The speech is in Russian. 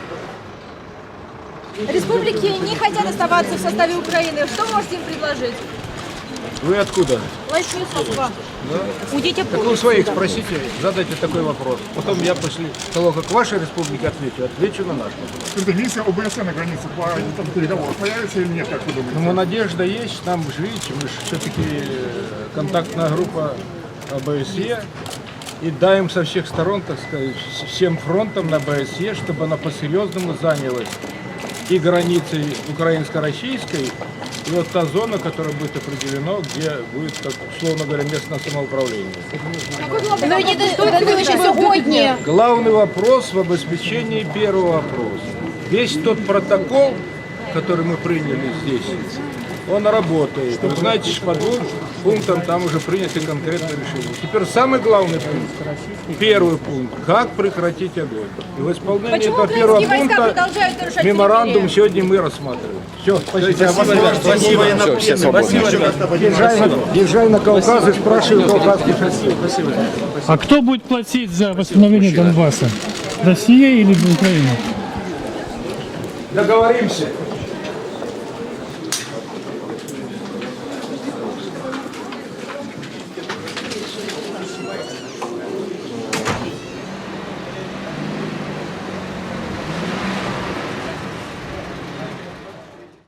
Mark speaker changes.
Speaker 1: Республики не хотят оставаться в составе Украины. Что можете им предложить?
Speaker 2: Вы откуда?
Speaker 1: Лощинского.
Speaker 3: Уйдите
Speaker 2: Так вы у своих спросите, задайте такой вопрос. Потом я после того, как ваша республика отвечу на наш вопрос.
Speaker 4: Миссия ОБСЕ на границе по там, переговорам появится или нет, как вы думаете?
Speaker 2: Ну, надежда есть, нам же, видите, мы же все-таки контактная группа ОБСЕ. И даем со всех сторон, так сказать, всем фронтам на ОБСЕ, чтобы она по-серьезному занялась и границей украинско-российской, и вот та зона, которая будет определена, где будет, как, условно говоря, местное самоуправление. Главный вопрос в обеспечении первого вопроса. Весь тот протокол, который мы приняли здесь, он работает. Вы знаете, что по 2 пунктам там уже приняты конкретные решения. Теперь самый главный пункт, первый пункт, как прекратить огонь. И в исполнении
Speaker 1: Почему
Speaker 2: этого первого
Speaker 1: украинские войска
Speaker 2: пункта
Speaker 1: продолжают нарушать
Speaker 2: меморандум
Speaker 1: перемирие?
Speaker 2: сегодня мы рассматриваем. Все, спасибо.
Speaker 5: Спасибо.
Speaker 2: Езжай на Кавказ и спрашивай кавказских спасибо.
Speaker 5: А кто будет платить за восстановление Донбасса? Россия или Украина?
Speaker 2: Договоримся.